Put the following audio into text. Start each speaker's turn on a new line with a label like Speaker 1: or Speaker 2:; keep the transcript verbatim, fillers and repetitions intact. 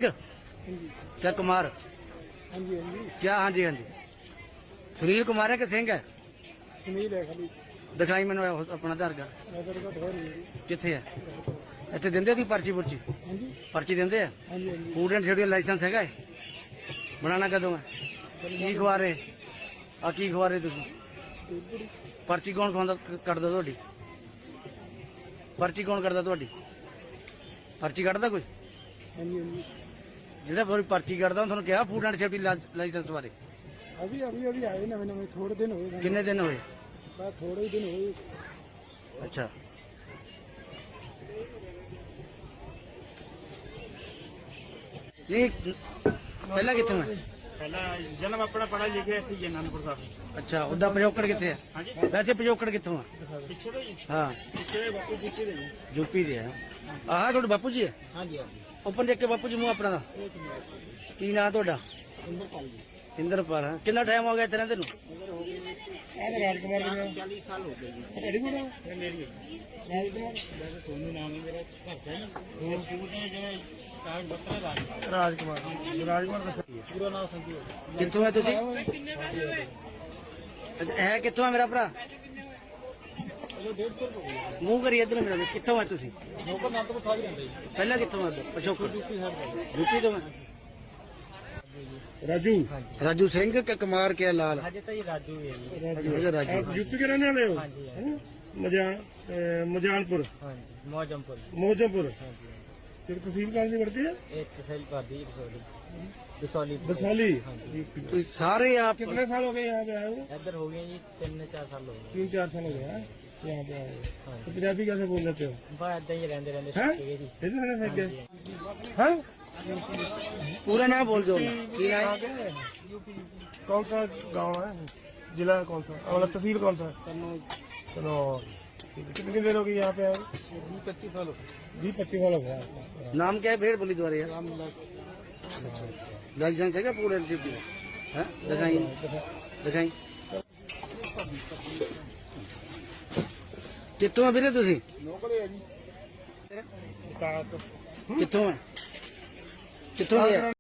Speaker 1: क्या कुमार?
Speaker 2: हाँ जी हाँ जी
Speaker 1: क्या? हाँ जी हाँ जी। सुनील कुमार है कि सिंह है?
Speaker 2: सुनील है खाली
Speaker 1: दिखाई मैंने अपना आधार कार्ड
Speaker 2: नगर का घर है
Speaker 1: किथे है? ਇੱਥੇ ਦਿੰਦੇ ਦੀ ਪਰਚੀ ਪੁਰਚੀ
Speaker 2: हाँ जी
Speaker 1: ਪਰਚੀ ਦਿੰਦੇ ਆ?
Speaker 2: हाँ जी हाँ जी
Speaker 1: ਫੂਡ ਐਂਡ ਸ਼ੈਡਿਊਲ ਲਾਇਸੈਂਸ ਹੈਗਾ? ਬਣਾਣਾ ਕਦੋਂ ਹੈ? ਕੀ ਖਵਾ ਰਹੇ ਆ? ਕੀ ਖਵਾ ਰਹੇ ਤੁਸੀਂ? ਪਰਚੀ ਕੌਣ ਖਵਾਉਂਦਾ ਕੱਢਦਾ ਤੁਹਾਡੀ? ਪਰਚੀ ਕੌਣ ਕੱਢਦਾ ਤੁਹਾਡੀ? ਪਰਚੀ ਕੱਢਦਾ ਕੋਈ?
Speaker 2: हाँ जी हाँ जी
Speaker 1: ਜਿਹੜਾ ਫਿਰ ਪਰਚੀ ਕੱਢਦਾ ਤੁਹਾਨੂੰ ਕਿਹਾ ਫੂਡ ਐਂਡ ਸੇਫਟੀ ਲਾਇਸੈਂਸ ਬਾਰੇ?
Speaker 2: अभी अभी अभी आए नवे नवे थोड़े दिन हुए
Speaker 1: ਕਿੰਨੇ ਦਿਨ ਹੋਏ?
Speaker 2: बस थोड़े ही दिन हुए
Speaker 1: अच्छा नहीं पहला कितों है?
Speaker 3: पहला जन्म अपना पढ़ा लिखे थे जी आनंदपुर साहब।
Speaker 1: अच्छा उदा पिछोकड़ कितने है?
Speaker 3: हाँ जी
Speaker 1: वैसे पिछोकड़ कितों है?
Speaker 3: पिछे तो जी
Speaker 1: हाँ
Speaker 3: पिछे बापू जी के जी
Speaker 1: यूपी दे है। आह थोड़े बापू जी है?
Speaker 3: हाँ जी हाँ जी
Speaker 1: ओपन देख के बापू जी मुँह अपना की ना थोड़ा?
Speaker 3: इंद्रपाल जी
Speaker 1: इंद्रपाल है। कितना टाइम हो गया तेरे तेन?
Speaker 2: राजकुमार
Speaker 3: चालीस साल हो गए जी
Speaker 2: अड़ी बड़ा
Speaker 3: ये मेरी है वैसे सोनू नाम है मेरा घर का ना स्कूल में जो है कागज पत्र है राजकुमार
Speaker 2: राजकुमार राजकुमार का सही है
Speaker 3: पूरा नाम संजीव
Speaker 1: कितों है तुझे? है कितों है मेरा भरा?
Speaker 3: चलो डेढ़ सौ रुपये
Speaker 1: मुँह करिए इधर मेरा कितों है तुसी?
Speaker 3: नौकर आनंदपुर साहब ही रहते जी
Speaker 1: पहला कितों है पिछोकड़?
Speaker 3: ड्यूटी साहब
Speaker 1: यूपी तो मैं
Speaker 2: राजू
Speaker 1: राजू सिंह के कुमार के लाल
Speaker 3: हाँ जी तो ये राजू है जी
Speaker 1: अच्छा, राजू
Speaker 2: आप यूपी के रहने वाले हो
Speaker 3: हाँ जी हाँ जी
Speaker 2: मजान मजानपुर
Speaker 3: हाँ जी मौजमपुर
Speaker 2: मोजमपुर
Speaker 3: हाँ जी
Speaker 2: तेरी तहसील कौन सी पड़ती है
Speaker 3: एक तहसील पर दी दसौली
Speaker 2: बसाली
Speaker 3: हाँ जी
Speaker 1: तो सारे आप
Speaker 2: कितने साल हो गए यहाँ पे आए हो?
Speaker 3: इधर हो गए जी तीन चार साल हो गए
Speaker 2: तीन चार साल हो गए हैं यहाँ पे आए हो।
Speaker 3: हाँ
Speaker 2: तो पंजाबी कैसे बोल लेते हो?
Speaker 3: बस इधर ही रहते रहते
Speaker 2: हैं?
Speaker 3: सीख गए जी
Speaker 2: इधर रहने से क्या? हैं?
Speaker 1: पूरा नाम बोल दो की नाम?
Speaker 2: कौन सा गांव है? जिला कौन सा मतलब तहसील कौन सा? चलो कितनी देर हो गई यहाँ पे आए?
Speaker 3: पच्चीस साल हो गए
Speaker 2: बीस पच्चीस साल हो गया।
Speaker 1: नाम क्या है? भेड़ बोली द्वारा यार लाइसेंस है क्या पूरे है? दिखाई दिखाई कितों है ਵੀਰੇ ਤੁਸੀਂ? ਕਿੱਥੋਂ ਹੈ? ਕਿੱਥੋਂ ਹੈ?